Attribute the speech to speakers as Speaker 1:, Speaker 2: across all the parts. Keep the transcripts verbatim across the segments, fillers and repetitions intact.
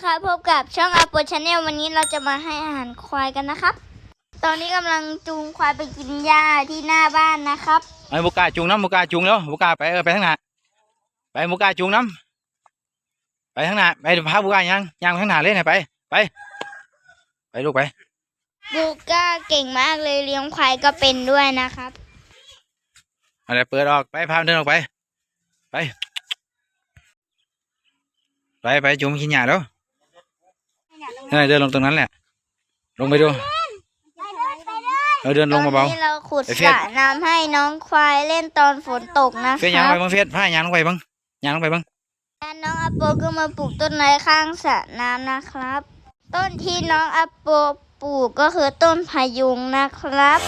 Speaker 1: ครับพบกับช่องอาโปชาแนลวันนี้เราจะมาให้อาหารควายกันนะครับตอนนี้กำลังจูงควายไปกินหญ้าที่หน้าบ้านนะครับ
Speaker 2: ไอ้บุกาจูงน้ำบุกาจูงแล้วบุกาไปเออไปทางหน้าไปบุกาจูงน้ำไปทางหน้าไปพาบุกายังยังทางหน้าเลยนะไปไปไปลูกไป
Speaker 1: บูก้าเก่งมากเลยเลี้ยงควายก็เป็นด้วยนะครับ
Speaker 2: อะไรเปิดออกไปพาเดินออกไปไปไปไปจูงกินหญ้าแล้วนั่นเดินลงตรงนั้นแหละลงไปดูเราเดินลงมาเบา
Speaker 1: เราขุดสระน้ำให้น้องควายเล่นตอนฝนตกนะครับ
Speaker 2: เฟียยางลงไปบ้างเฟียผ้ายางลงไปบ้างยางลงไปบ้าง
Speaker 1: แล้วน้องอาโปก็มาปลูกต้นไม้ข้างสระน้ำนะครับต้นที่น้องอาโปปลูกก็คือต้นพะยุงนะครับ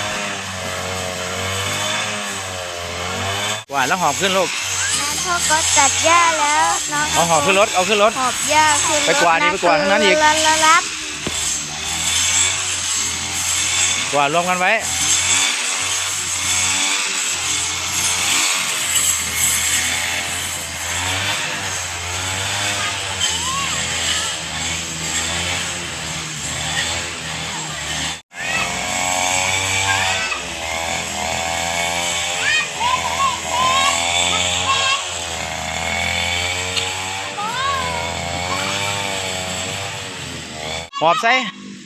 Speaker 2: หวานแล้วหอบขึ้นลูก
Speaker 1: พ่อก็ตัดหญ้าแล้วน้อง
Speaker 2: เอาหอบขึ้นรถเอาขึ้นรถ
Speaker 1: หอบหญ้าขึ้นรถ
Speaker 2: ไปกวาดนี่ไปกวาดทั้งนั้นอีก
Speaker 1: รับ
Speaker 2: กวาดรวมกันไว้หอบใส่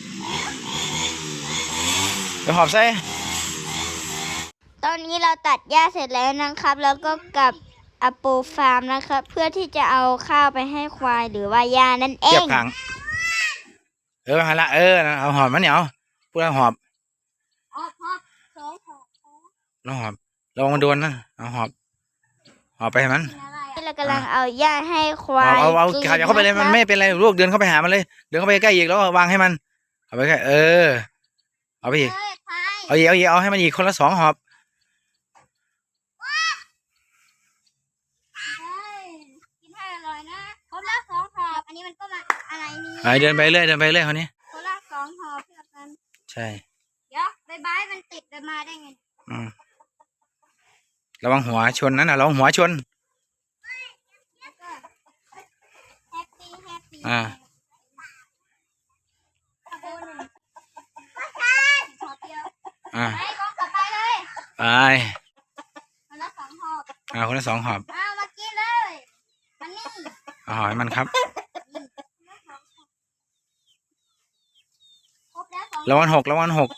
Speaker 2: ไปหอบใส่
Speaker 1: ตอนนี้เราตัดหญ้าเสร็จแล้วนะครับแล้วก็กลับอโปฟาร์มนะครับเพื่อที่จะเอาข้าวไปให้ควายหรือว่าหญ้านั่นเอง
Speaker 2: เก็บถังเออฮะละเออเอาหอบมันเหนียวพูดแล้วหอบ
Speaker 1: หอบหอบสองหอบ
Speaker 2: แล้วหอบระวังมันโดนนะเอาหอบหอบไปให้มัน
Speaker 1: เรากำลังเอาหญ้าให้ควาย
Speaker 2: เอาเอาขาเข้าไปเลยมันไม่เป็นไรลูกเดินเข้าไปหามันเลยเดินเข้าไปใกล้อีกแล้ววางให้มันเอาไปใกล้เออเอาไปอีกเอาอีกเอาอีกเอาให้มันอีกคนละสองหอบ
Speaker 1: กินให้อร่อยนะคนละสองหอบอันนี้มันก็มาอะไรนี่
Speaker 2: ไปเดินไปเรื่อยเดินไปเรื่อยคนนี้
Speaker 1: คนละสองหอบเพื่อกัน
Speaker 2: ใช่
Speaker 1: เดี๋ยวใบไม้มันติดมาได้ไง
Speaker 2: อืมระวังหัวชนนั่นน่ะระวังหัวชนอ่าอ่าไปคนละสองหอบอ่าคนละสองหอบ
Speaker 1: เอามากินเลยมันนี่
Speaker 2: เอาหอยมันครับระวังหกระวังหก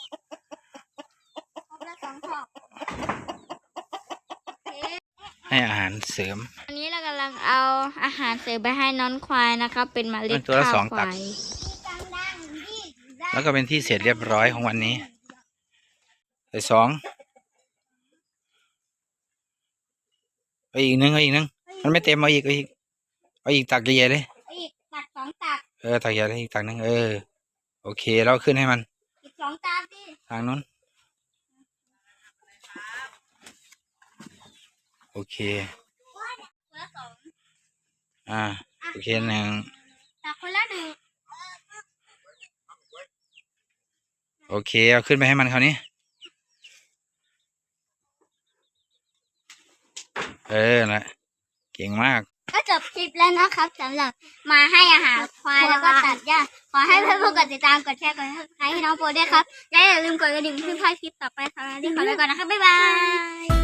Speaker 2: ให้อาหารเสริม
Speaker 1: อันนี้เรากำลังเอาอาหารเสริมไปให้น้องควายนะครับเป็นเมล็ดข้าวควาย
Speaker 2: แล้วก็เป็นที่เสร็จเรียบร้อยของวันนี้ใส่สองเอาอีกนึงเอาอีกนึงมันไม่เต็มเอาอีกเอาอีกเอาอีกตักใหญ่เลย
Speaker 1: อีกตักสองตัก
Speaker 2: เออตักใหญ่เลยอีกตักนึงเออโอเคแล้วขึ้นให้มัน
Speaker 1: อีกสองตักดิ
Speaker 2: ทางนู้นโอเคอ่าโอเคหนึ่ง
Speaker 1: ตักคนละหนึ่ง
Speaker 2: โอเคเอาขึ้นไปให้มันคราวนี้เออนะเก่งมาก
Speaker 1: ก็จบคลิปแล้วนะครับสำหรับมาให้อาหารควายแล้วก็ตัดหญ้าขอให้เพื่อนๆกดติดตามกดแชร์กดซับสไครบ์ให้น้องโปรด้วยครับและอย่าลืมกดกระดิ่งเพื่อไม่พลาดคลิปต่อไปสำหรับวันนี้ขอไปก่อนนะครับบ๊ายบาย